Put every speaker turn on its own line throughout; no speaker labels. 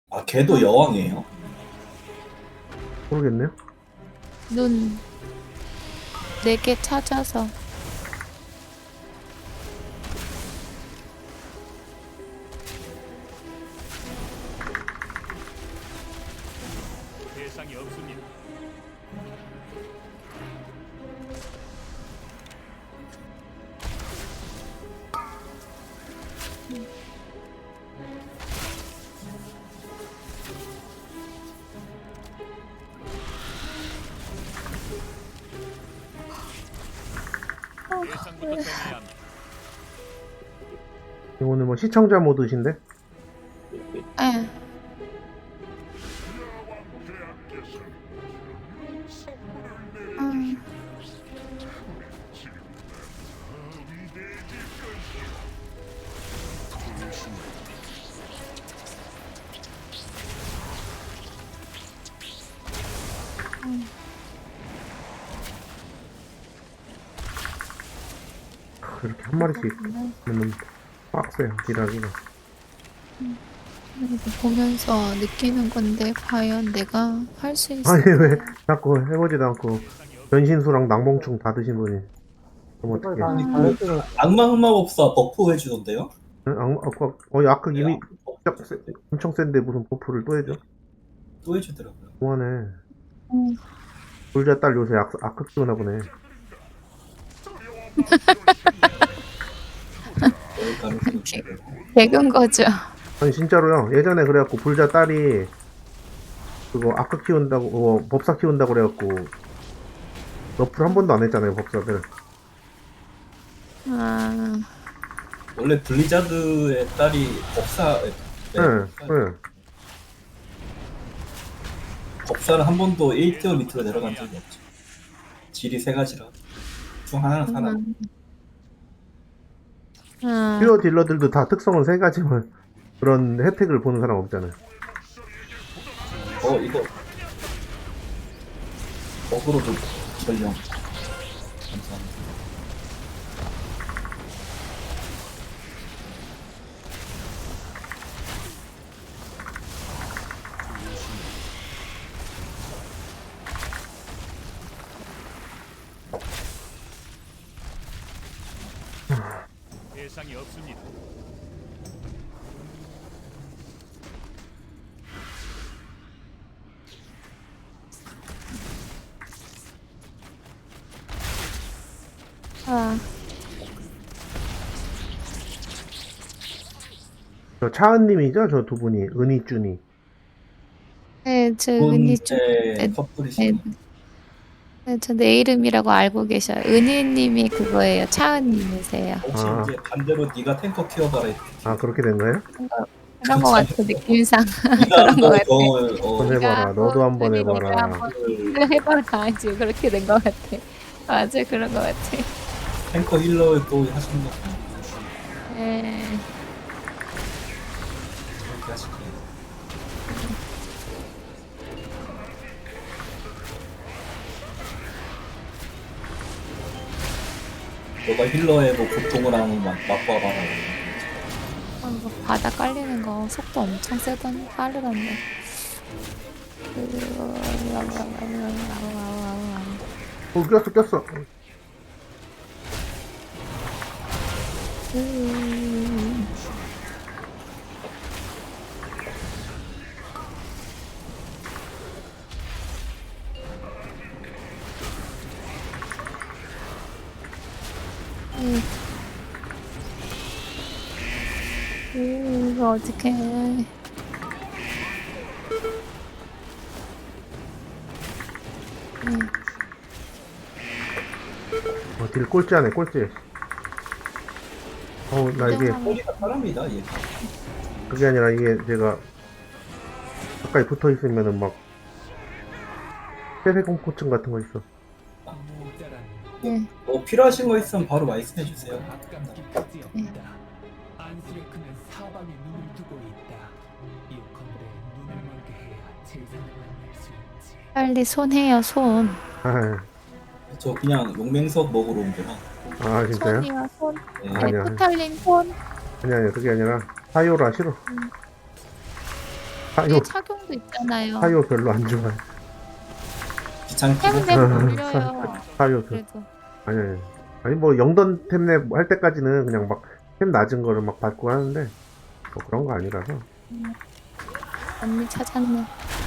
아, 걔도 여왕이에요?
모르겠네요.
눈 4개 찾아서.
대상이 없습니다. 대상부터 정해야 합니다.
오늘 뭐 시청자 모드신데?
예. 음.
이렇게 한 마리씩 하면 빡세요, 딜하기가.
이거 보면서 느끼는 건데 과연 내가 할 수 있어?
아니, 왜 자꾸 해보지도 않고 변신수랑 낭봉충 다 드신 분이. 그럼 어떡해.
악마 흑마법사 버프 해주던데요?
아까 이미 엄청 센데 무슨 버프를 또 해줘?
또 해주더라고요.
그만해.
음.
불자 딸 요새 악극 키우나 보네.
그럴 가능성이
개-
있어요.
개근 거죠.
아니 진짜로요. 예전에 그래갖고 불자 딸이 그거 악극 키운다고 법사 키운다고 그래갖고 너프를 한 번도 안 했잖아요, 법사들.
아,
원래 블리자드의 딸이 법사,
네.
법사는 한 번도 1티어 밑으로 내려간 적이 없죠. 질이 3가지라. 중 하나는 살아.
퓨어 딜러들도 다 특성은 3가지만 그런 혜택을 보는 사람 없잖아요.
이거. 어그로도 전령. 감사합니다.
대상이 없습니다.
아,
저 차은님이죠, 저 두 분이. 은희준이.
네, 저 은희 좀, 네,
커플이시네.
네, 저 내 이름이라고 알고 계셔요. 은희님이 그거예요. 차은님이세요.
혹시
아.
이제 반대로 네가 탱커 키워봐라 이렇게.
그렇게 된 거예요?
그런 거 같아, 느낌상.
네가
그런 거 같아.
한번 해봐라. 너도 한번
은희
해봐라.
내가 한번 해봐라. 지금 그렇게 된 거 같아. 맞아, 그런 거 같아.
탱커 힐러 또 하시는 거 같아요.
네.
그렇게 하시네요. 너가 힐러의 뭐 고통을 한번 맛봐봐라.
이거 바닥 깔리는 거 속도 엄청 세던 빠르던데.
꼈어.
이거 어떡해.
딜 꼴찌하네, 꼴찌. 나 이게,
소리가 사람이다 얘.
그게 아니라 이게 제가 가까이 붙어 있으면은 막, 폐쇄공포증 같은 거 있어.
네.
뭐 필요하신 거 있으면 바로 말씀해 주세요.
안스레크는 사방에 눈을 두고 있다. 이오컨대 눈을 멀게 해야 재산을 만날 수 있지.
빨리 손해요, 손.
저 그냥 용맹석 먹으러 온 거라.
진짜요?
손이요, 손.
네.
네,
아니야.
토탈님 손.
아니, 그게 아니라, 사요라 싫어. 사요
착용도 있잖아요.
사요 별로 안 좋아해.
귀찮기도
템랩 올려요.
사요
그래도
아니 아니 뭐 영던 템랩 할 때까지는 그냥 막 템 낮은 거를 막 받고 하는데 뭐 그런 거 아니라서.
언니 찾았네.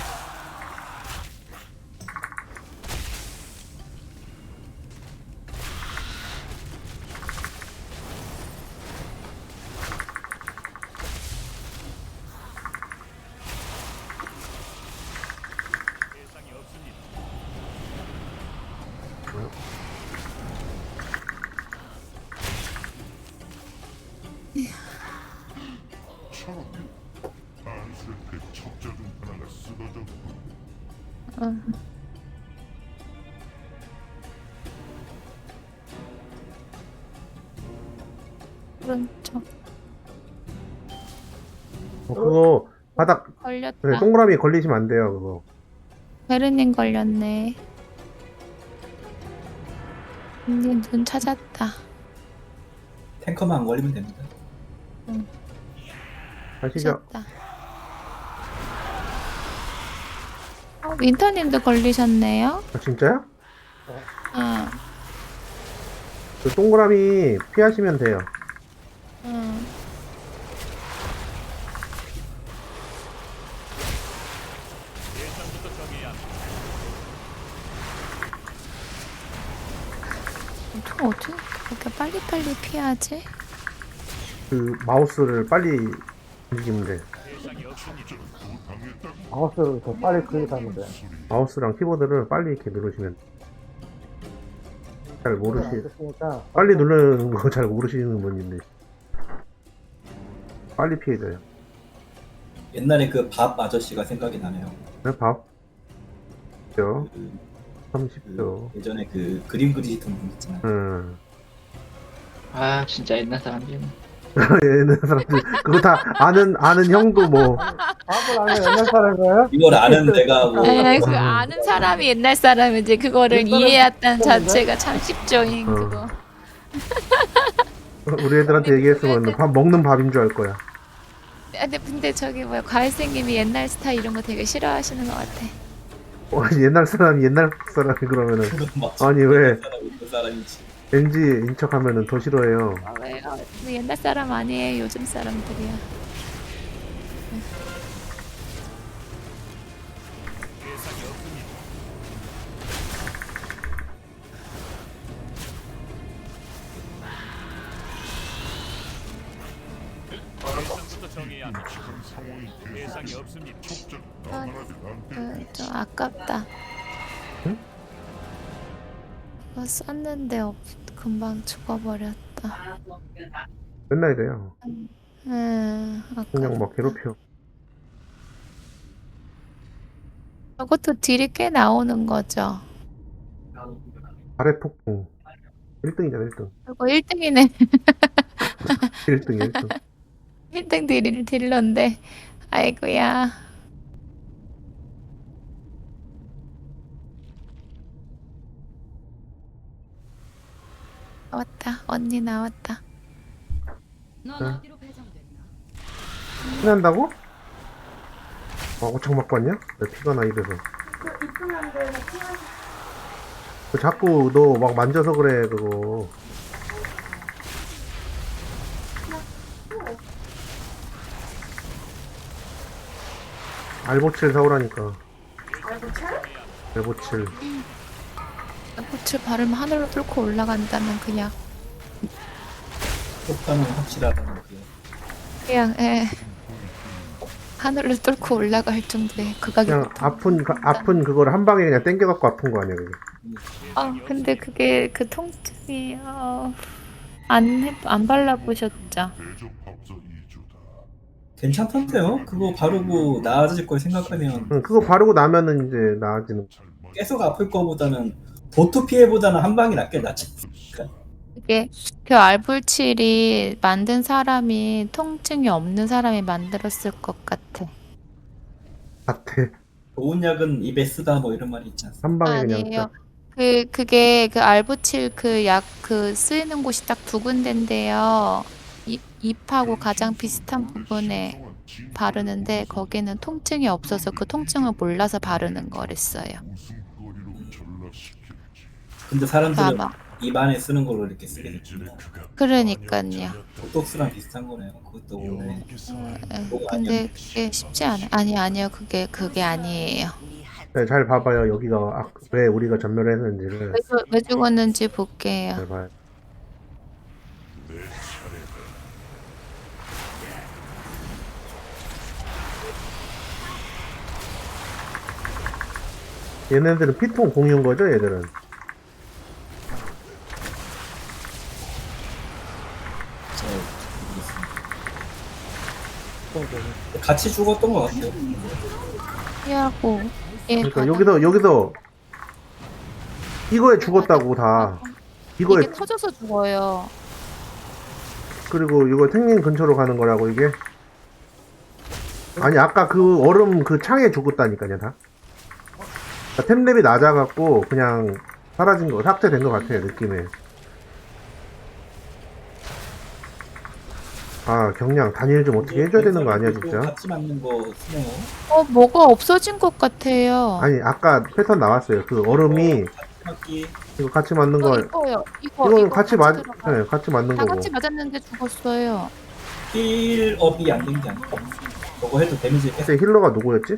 어. 오른쪽
그거 바닥
걸렸다.
네, 동그라미 걸리시면 안 돼요 그거.
베르닌 걸렸네. 언니 눈 찾았다.
탱커만 안 걸리면 됩니다.
아시죠?
찾았다. 윈터님도 걸리셨네요.
아, 진짜요?
응.
그 동그라미 피하시면 돼요.
응. 어떻게 그렇게 빨리빨리 피하지?
그 마우스를 빨리 움직이면 돼.
마우스를 더 빨리 클릭하면 돼.
마우스랑 키보드를 빨리 이렇게 누르시면 잘 모르시.
됐으니까
빨리 누르는 거 잘 모르시는 분인데 빨리 피해져요.
옛날에 그 밥 아저씨가 생각이 나네요.
네, 밥. 죠
그,
30초.
예전에 그 그림 그리시던 분 있잖아요.
아 진짜 옛날 사람들이
얘는 사람들 그거 다 아는 형도 뭐
밥을 안 해. 옛날 사람이에요?
이걸 아는 내가 뭐
그 아는 사람이 옛날 사람이지 그거를 이해했다는 자체가 참 쉽죠잉
어.
그거.
우리 애들한테 얘기했으면 밥 먹는 밥인 줄 알 거야.
근데 저기 뭐야 과일생님이 옛날 스타일 이런 거 되게 싫어하시는 것 같아.
옛날 사람이 그러면은
맞죠?
아니, 왜?
그 사람이지.
NG 인척하면은 더 싫어해요.
왜요? 옛날 사람 아니에요. 요즘 사람들이야. 좀 아깝다.
응?
이거 썼는데 금방 죽어버렸다.
맨날 이래요.
아깝다.
그냥 막 괴롭혀.
저것도 딜이 꽤 나오는 거죠.
아래 폭풍. 1등이잖아 1등.
그리고 1등이네.
1등 1등.
1등 딜러인데. 아이고야. 나왔다. 언니 나왔다.
피난다고? 어청 맞고 왔냐? 왜 피가 나 입에서. 자꾸 너 막 만져서 그래 그거. 알보칠 사오라니까. 알보칠?
꽃을 바르면 하늘로 뚫고 올라간다는 그냥
효과는 확실하다는 그
그냥 하늘로 뚫고 올라갈 정도의 극악이.
그냥 아픈 그거를 한 방에 그냥 땡겨갖고 아픈 거 아니야 그게.
근데 그게 그 통증이 안 발라보셨죠?
괜찮던데요? 그거 바르고 나아질 걸 생각하면
응, 그거 바르고 나면은 이제 나아지는.
계속 아플 거보다는 도트 피해보다는 한 방이 낫지 않습니까?
그게 그 알불칠이 만든 사람이 통증이 없는 사람이 만들었을 것 같아.
같아.
좋은 약은 입에 쓰다 뭐 이런 말이 있지 않습니까?
한 방에 그냥
아니에요.
딱.
그게 그 알부칠 그 약 그 쓰이는 곳이 딱 두 군데인데요. 입하고 가장 비슷한 부분에 바르는데 거기는 통증이 없어서 그 통증을 몰라서 바르는 거랬어요.
근데 사람들은
아마
입 안에 쓰는 걸로 이렇게 쓰게 됐구나.
그러니까요.
보톡스랑 비슷한 거네요. 그것도 뭐가
근데 그게 쉽지 않아. 아니요. 그게 아니에요.
네, 잘 봐봐요. 여기가 왜 우리가 전멸을 했는지를
왜 죽었는지 볼게요.
잘 봐요. 얘네들은 피통 공유인 거죠, 얘들은?
같이 죽었던 것 같아요.
피하고
그러니까 여기서 이거에 죽었다고 다. 이거에
이게 터져서 죽어요.
그리고 이거 탱님 근처로 가는 거라고 이게? 아니 아까 그 얼음 그 창에 죽었다니까요 다. 그러니까 템랩이 낮아갖고 그냥 사라진 거 삭제된 것 같아요 느낌에. 아 경량 단일 좀 어떻게 해줘야 되는 거 아니야 진짜?
같이 맞는 거 쓰네요.
뭐가 없어진 것 같아요.
아니 아까 패턴 나왔어요. 그 얼음이
같이 맞기.
이거 같이 맞는 거
이거요.
이거는 같이 맞
들어가요.
네, 같이 맞는
다
거고.
같이 맞았는데 죽었어요.
힐업이 안 된 게 아닐까? 저거 해도 데미지 계속
그때 힐러가 누구였지?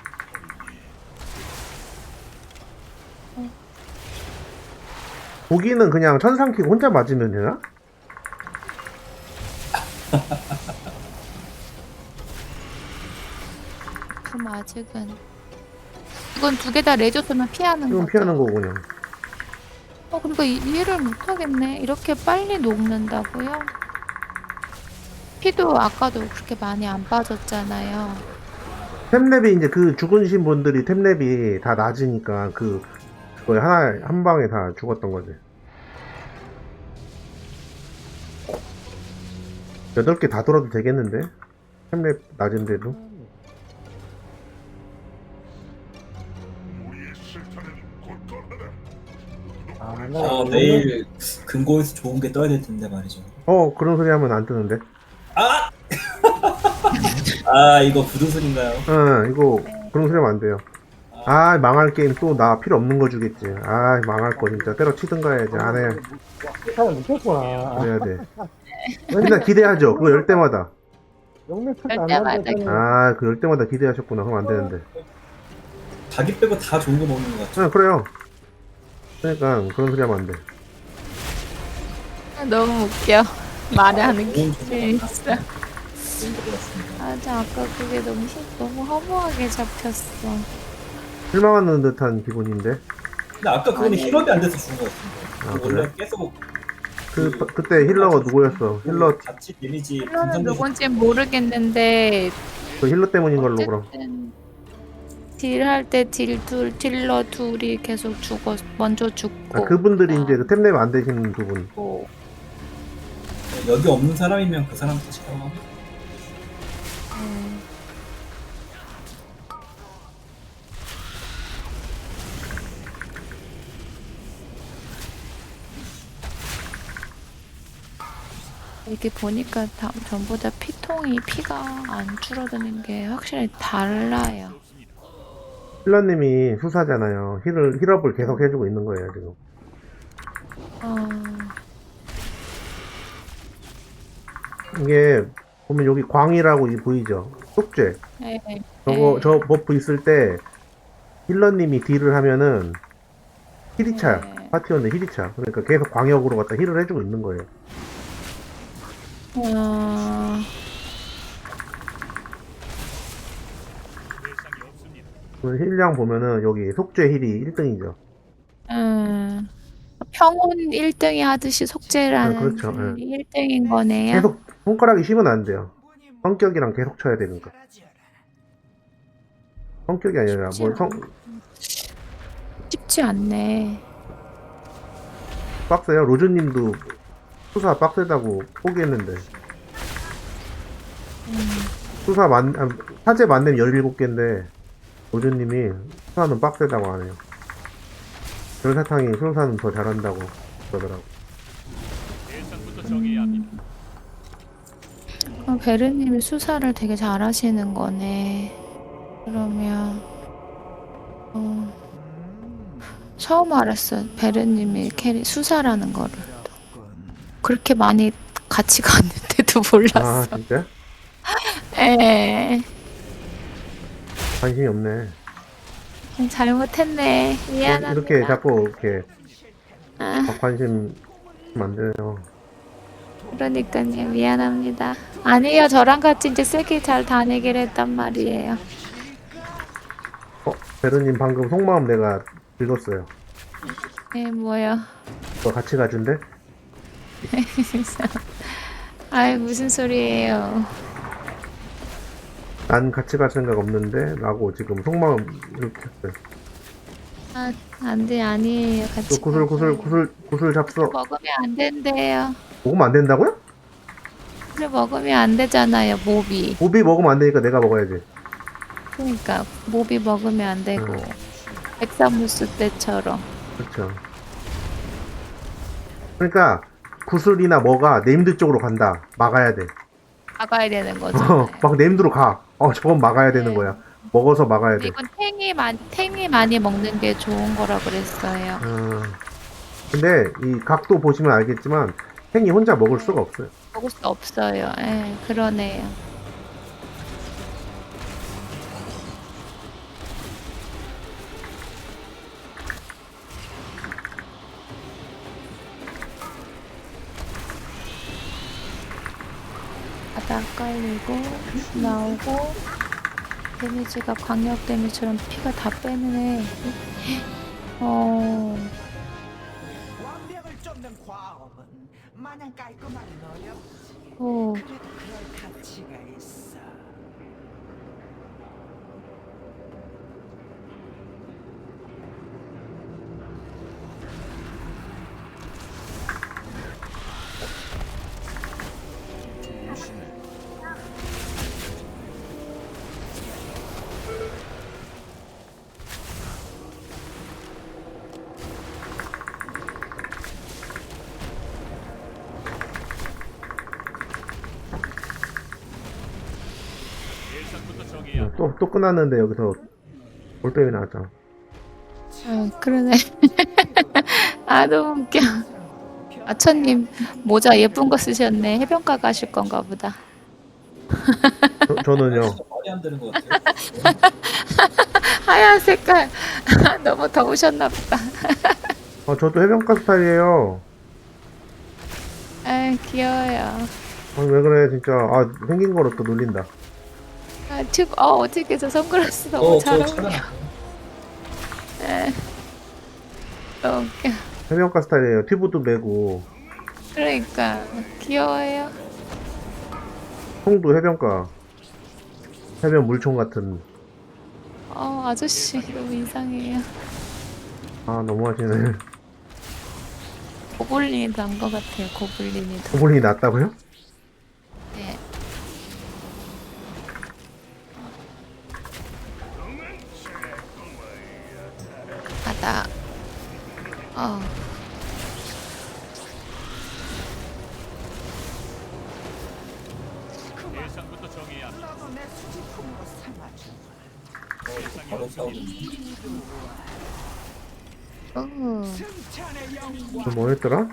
고기는 그냥 천상 키고 혼자 맞으면 되나?
그럼 아직은 이건 두 개 다 레저스면 피하는
이건
거죠.
피하는 거고 그냥.
그러니까 이해를 못하겠네. 이렇게 빨리 녹는다고요? 피도 아까도 그렇게 많이 안 빠졌잖아요.
템랩이 이제 그 죽으신 분들이 템랩이 다 낮으니까 그거에 한 방에 다 죽었던 거지. 8개 다 돌아도 되겠는데? 템랩 낮은데도?
내일 금고에서 좋은 게 떠야 될 텐데 말이죠.
그런 소리 하면 안 뜨는데?
이거 부두술인가요?
이거 그런 소리 하면 안 돼요. 망할 게임 또 나 필요 없는 거 주겠지. 망할 거 진짜 때려치든가 해야지. 안 해.
사람 느꼈구나.
그래야 돼. 맨날 기대하죠. 그거 열 때마다.
영매
열
안
때마다
나는데
그 열 때마다 기대하셨구나. 그럼 안 되는데.
자기 빼고 다 좋은 거 먹는 것 같죠.
그래요. 그러니까 그런 소리 하면 안 돼.
너무 웃겨. 말하는 게
좋은
재밌어.
좋은 거 같습니다.
아까 그게 너무 허무하게 잡혔어.
실망하는 듯한 기분인데.
근데 아까 그거는
아니.
힐업이 안 돼서 죽은 것 같은데.
그래?
원래 계속
그때 힐러가 누구였어? 힐러
같이 데미지
힐러는 누군지 모르겠는데
그 힐러 때문인 걸로 그럼.
어쨌든 딜할 때 딜러 둘이 계속 먼저 죽고.
그분들이 이제 그 템랩 안 되시는 두 분.
여기 없는 사람이면 그 사람 탓이라고 하면
이렇게 보니까 전부 다 피가 안 줄어드는 게 확실히 달라요.
힐러님이 수사잖아요. 힐업을 계속 해주고 있는 거예요 지금. 이게 보면 여기 광이라고 보이죠? 속죄.
네.
저 버프 있을 때 힐러님이 딜을 하면은 힐이 차요.
네.
파티원의 힐이 차. 그러니까 계속 광역으로 갖다 힐을 해주고 있는 거예요. 힐량 보면은 여기 속죄 힐이 1등이죠.
평온 1등이 하듯이 속죄라는
그렇죠.
1등인 거네요.
계속 손가락이 쉬면 안 돼요. 성격이랑 계속 쳐야 되니까. 성격이 아니라
쉽지 않네.
빡세요. 로즈님도 수사 빡세다고 포기했는데. 사제 만렙 17개인데 로즈님이 수사는 빡세다고 하네요. 별사탕이 수사는 더 잘한다고 그러더라고.
베르님이 수사를 되게 잘하시는 거네. 그러면 처음 알았어요. 베르님이 캐리 수사라는 거를. 그렇게 많이 같이 갔는데도
아,
몰랐어.
진짜?
에
관심이 없네.
잘못했네. 미안합니다.
이렇게 자꾸 이렇게
아,
관심 안 돼요.
그러니까요. 미안합니다. 아니에요. 저랑 같이 이제 세게 잘 다니기로 했단 말이에요.
베르님 방금 속마음 내가 읽었어요.
뭐요?
너 같이 가준대?
아이, 무슨 소리예요.
난 같이 갈 생각 없는데? 라고 지금 속마음 이렇게 했어요.
아, 안 돼, 아니에요.
또
같이
구슬 잡숴.
먹으면 안 된대요.
먹으면 안 된다고요?
술 먹으면 안 되잖아요, 몹이.
오비 먹으면 안 되니까 내가 먹어야지.
그러니까 몹이 먹으면 안 되고 백사무스 때처럼.
그렇죠. 그러니까 구슬이나 뭐가 네임드 쪽으로 간다. 막아야 돼.
막아야 되는 거죠.
막 네임드로 가. 저건 막아야 되는
네.
거야. 먹어서 막아야 돼.
이건 탱이 많이 먹는 게 좋은 거라 그랬어요.
근데 이 각도 보시면 알겠지만 탱이 혼자 먹을 수가 없어요.
먹을 수 없어요. 예, 그러네요. 바닥 깔리고 나오고 데미지가 광역 데미지처럼 피가 다 빼는 애.
완벽을 쫓는 과업은 마냥 깔끔하게 어렵지.
오,
그래도 그럴 가치가 있어.
또 끝났는데 여기서 올빼미 나왔잖아.
그러네. 아, 너무 웃겨. 아처님 모자 예쁜 거 쓰셨네. 해변가 가실 건가 보다.
저는요.
진짜 말이 안 되는 것 같아요.
하얀 색깔. 너무 더우셨나 보다.
저도 해변가 스타일이에요.
아, 귀여워요.
왜 그래 진짜. 생긴 거로 또 놀린다.
아, 어떻게 저 선글라스 너무 잘
저
어울려.
차량
너무 웃겨.
해변가 스타일이에요. 튜브도 메고
그러니까 귀여워요.
총도 해변가. 해변 물총 같은.
아저씨 너무 이상해요.
너무하시네.
고블린이 난 것 같아요. 고블린이 더.
고블린이 낫다고요?
네. 바다.
나도 내 수지품으로 삼아줘.
바로 싸우는.
승천의 영광
뭐 했더라?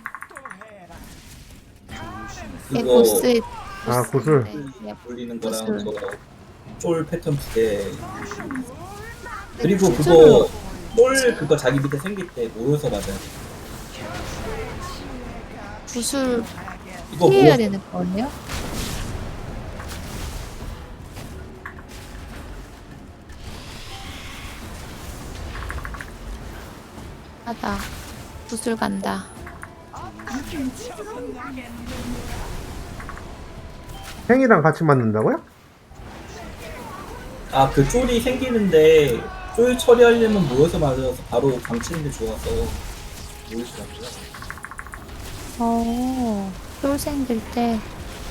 이
이거
보스.
구슬.
네.
돌리는 거랑
구슬.
쫄 패턴 2개. 그리고 그거 쫄 그거 자기 밑에 생길 때 모여서 맞아야 돼.
구슬
이거
피해야
뭐
되는 거예요? 하다. 구슬 간다.
탱이랑 같이 맞는다고요?
그 쫄이 생기는데 쫄 처리하려면 모여서 맞아서 바로 감치는 게 좋아서 모이시더라고요.
쫄 생길 때.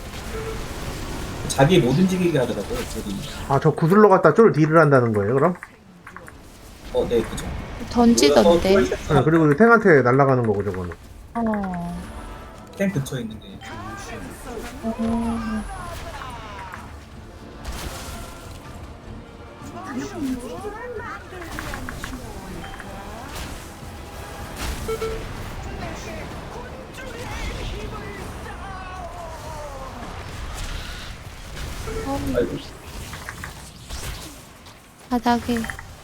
자기 못 움직이게 하더라고요, 쫄이.
저 구슬로 갖다 쫄 딜을 한다는 거예요, 그럼?
네, 그죠.
던지던데.
모여서 쫄 세트
그리고 탱한테 날아가는 거고, 저거는.
탱 근처에 있는 게. 아이고.
바닥에.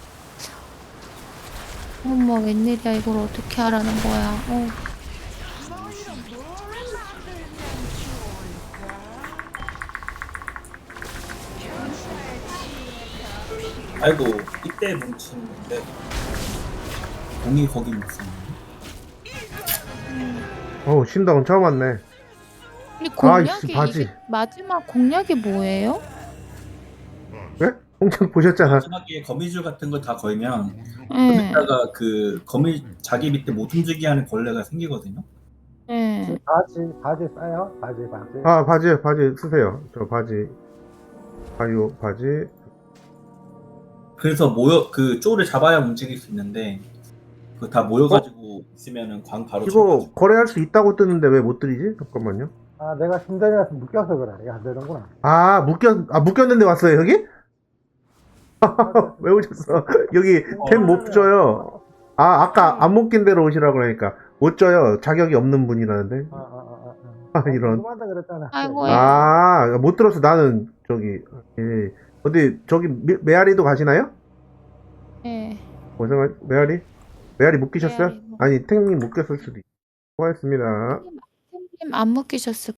어머, 웬일이야. 이걸 어떻게 하라는 거야.
아이고 이때 뭉치는 건데 공이 거기 뭉치는
어우, 신당은 처음 왔네.
이 공략이,
아이씨, 바지.
이게 마지막 공략이 뭐예요?
왜? 홍창 보셨잖아.
마지막에 거미줄 같은 거 다 걸면
예,
거기다가 그 거미 자기 밑에 못 움직이게 하는 벌레가 생기거든요.
예.
바지 싸요? 바지.
아, 바지 쓰세요. 저 바지. 바이오, 바지.
그래서 모여 그 쪼를 잡아야 움직일 수 있는데 그 다 모여가지고 있으면은 광 바로
이거
쳐가지고.
거래할 수 있다고 뜨는데 왜 못 드리지? 잠깐만요.
아, 내가 심장이라서 묶여서 그래. 이게 안 되는구나.
묶였는데 왔어요, 여기? 왜 오셨어? 여기 템 못 줘요. 아까 안 묶인 대로 오시라고 그러니까. 못 줘요. 자격이 없는 분이라는데. 이런.
그만다 그랬잖아.
아이고,
못 들었어. 나는, 예. 어디, 저기, 메아리도 가시나요?
예.
메아리? 메아리 묶이셨어요?
메아리
아니, 탱님 묶였을 수도 있고. 수고하셨습니다.
님 안 묶이셨을